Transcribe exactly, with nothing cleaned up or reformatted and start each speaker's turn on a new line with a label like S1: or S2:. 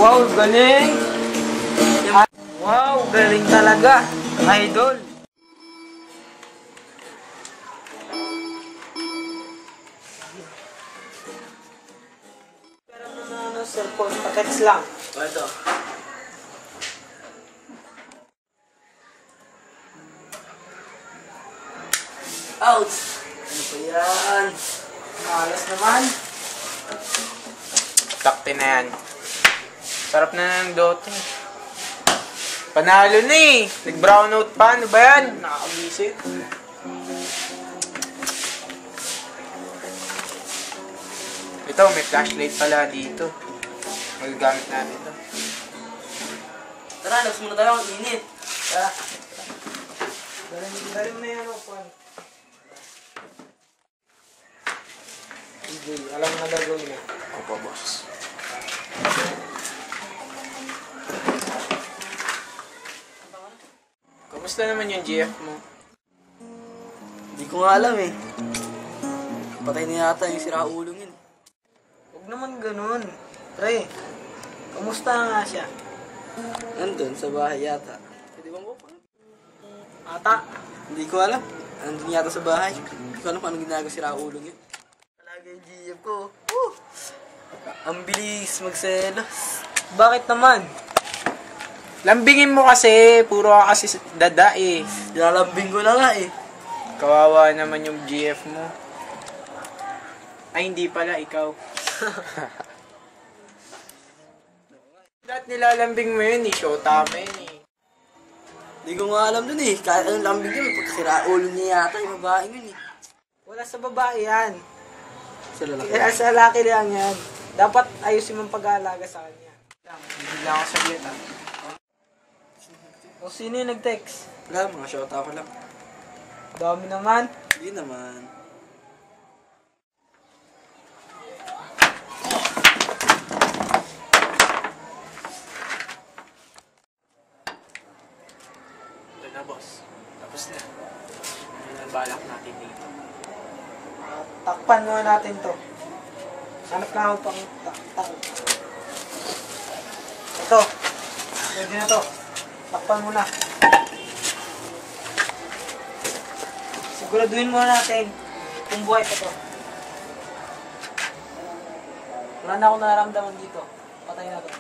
S1: Wow, galing! Wow, galing talaga, idol! Pero na ano, cellphone, pa-text lang.
S2: Ito. Ouch! Ano pa yan?
S1: Malas naman.
S3: Takti na yan. Sarap na ng dote. Panalo na eh. Nag-brownout pa. Ano ba yan? Nakakabisit. Ito, may flashlight pala dito. Magagamit natin ito.
S2: Tara, labas muna tayo. Ang init.
S1: Tara. Dali mo na yan, Juan. Hindi, alam mo na gagawin eh.
S3: Opo, boss. Kamusta naman yung G F mo?
S2: Hindi ko nga alam eh. Patay na yata yung siraulong yun.
S1: Huwag naman ganun. Pre, kamusta nga siya?
S2: Nandun sa bahay yata. Pwede bang ko?
S1: Ata?
S2: Hindi ko alam. Nandun yata sa bahay. Hindi ko alam kung anong ginagawa siraulong yun. Talaga yung G F ko. Woo! Ang bilis magselos.
S1: Bakit naman?
S3: Lambingin mo kasi. Puro ka kasi dada eh.
S2: Nilalambing ko na nga eh.
S3: Kawawa naman yung G F mo. Ay, hindi pala. Ikaw. Lahat nilalambing mo yun eh. Showtime yun eh.
S2: Hindi ko nga alam dun eh. Kahit anong lambing yun. Pagkasiraulong niya yata yung babae yun eh.
S1: Wala sa babae yan.
S2: Sa lalaki.
S1: Kaya sa lalaki lang yan. Dapat ayusin mong pag-aalaga sa kanya.
S3: Hindi lang ako saglit ah.
S1: O sino yung nag-text?
S2: Wala, mga shota ko lang.
S1: Dami naman.
S2: Hindi naman.
S3: Ito na boss. Tapos na. Ano ang balak natin dito?
S1: Uh, takpan muna natin to. Hanap na ako pang takpan. Ito. Pwede na to. Takpan muna. Siguraduhin muna natin kung buhay pa to. Wala na akong nararamdaman dito. Patay na to.